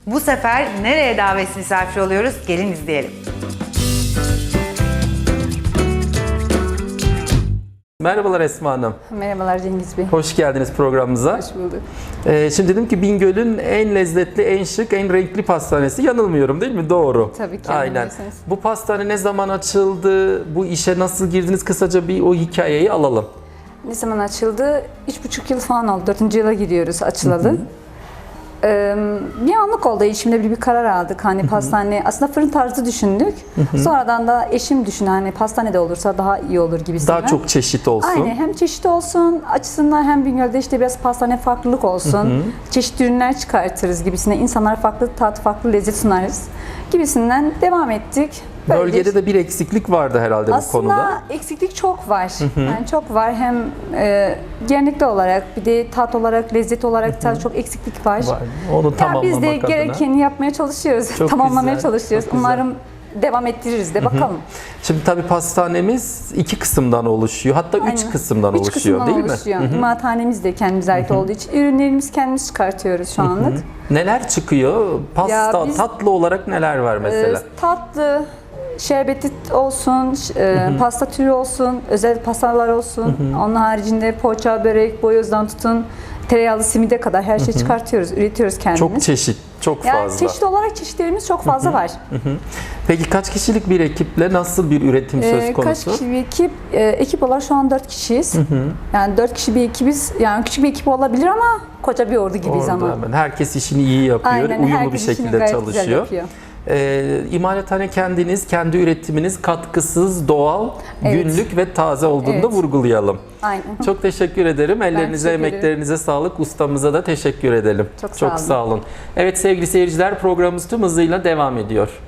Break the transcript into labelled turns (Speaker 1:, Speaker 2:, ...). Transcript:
Speaker 1: Bu sefer nereye davet misafir oluyoruz? Gelin izleyelim.
Speaker 2: Merhabalar Esma Hanım.
Speaker 3: Merhabalar Cengiz Bey.
Speaker 2: Hoş geldiniz programımıza.
Speaker 3: Hoş bulduk.
Speaker 2: Şimdi dedim ki Bingöl'ün en lezzetli, en şık, en renkli pastanesi. Yanılmıyorum değil mi? Doğru.
Speaker 3: Tabii ki
Speaker 2: Aynen.
Speaker 3: yanılmıyorsunuz.
Speaker 2: Bu pastane ne zaman açıldı? Bu işe nasıl girdiniz? Kısaca bir o hikayeyi alalım.
Speaker 3: Ne zaman açıldı? 3,5 yıl falan oldu. 4. yıla giriyoruz açılalı. Bir anlık oldu. İçimde bir karar aldık. Hani pastane, aslında fırın tarzı düşündük. Sonradan da eşim düşündü. Hani pastanede olursa daha iyi olur gibisinden.
Speaker 2: Daha çok çeşit olsun.
Speaker 3: Aynen. Hem çeşit olsun açısından hem Bingöl'de işte biraz pastane farklılık olsun. Çeşitli ürünler çıkartırız gibisinden. İnsanlara farklı tat, farklı lezzet sunarız gibisinden devam ettik. Böyle
Speaker 2: Bölgede de bir eksiklik vardı herhalde bu konuda.
Speaker 3: aslında eksiklik çok var. Yani çok var. Hem genellikle olarak bir de tat olarak, lezzet olarak da çok eksiklik var.
Speaker 2: Onu
Speaker 3: Ya
Speaker 2: tamamlamak
Speaker 3: biz de
Speaker 2: adına.
Speaker 3: gerekeni yapmaya çalışıyoruz.
Speaker 2: Çok
Speaker 3: Tamamlamaya
Speaker 2: güzel,
Speaker 3: çalışıyoruz.
Speaker 2: çok güzel.
Speaker 3: Umarım devam ettiririz de bakalım.
Speaker 2: Şimdi tabii pastanemiz 2 kısımdan oluşuyor. Hatta 3
Speaker 3: Aynen.
Speaker 2: kısımdan
Speaker 3: Üç
Speaker 2: oluşuyor
Speaker 3: kısımdan
Speaker 2: değil
Speaker 3: oluşuyor.
Speaker 2: mi?
Speaker 3: İmalathanemiz de kendimize ait olduğu için ürünlerimizi kendimiz çıkartıyoruz şu anlık.
Speaker 2: Neler çıkıyor? Pasta,
Speaker 3: Ya biz-
Speaker 2: tatlı olarak neler var mesela?
Speaker 3: Tatlı, şerbeti olsun, pasta türü olsun, özel pastalar olsun. Onun haricinde poğaça, börek, boyozdan tutun, tereyağlı simide kadar her şeyi çıkartıyoruz, üretiyoruz kendimiz.
Speaker 2: Çok çeşit, çok
Speaker 3: Yani
Speaker 2: fazla.
Speaker 3: çeşit olarak çeşitlerimiz çok fazla var.
Speaker 2: Peki kaç kişilik bir ekiple nasıl bir üretim söz
Speaker 3: Kaç
Speaker 2: konusu?
Speaker 3: kişi bir ekip? Ekip olarak şu an 4 kişiyiz. Yani 4 kişi bir ekibiz. Yani küçük bir ekip olabilir ama koca bir ordu gibiyiz
Speaker 2: Orada
Speaker 3: ama.
Speaker 2: hemen herkes işini iyi yapıyor,
Speaker 3: Aynen,
Speaker 2: uyumlu bir
Speaker 3: herkes işini
Speaker 2: şekilde
Speaker 3: gayet güzel
Speaker 2: çalışıyor.
Speaker 3: yapıyor.
Speaker 2: İmalathane kendiniz, kendi üretiminiz katkısız, doğal,
Speaker 3: Evet.
Speaker 2: günlük ve taze olduğunu da
Speaker 3: Evet.
Speaker 2: vurgulayalım.
Speaker 3: Aynen.
Speaker 2: Çok teşekkür ederim. Ellerinize,
Speaker 3: teşekkür ederim.
Speaker 2: emeklerinize sağlık. Ustamıza da teşekkür edelim.
Speaker 3: Çok sağ olun.
Speaker 2: sağ olun. Evet sevgili seyirciler, programımız tüm hızıyla devam ediyor.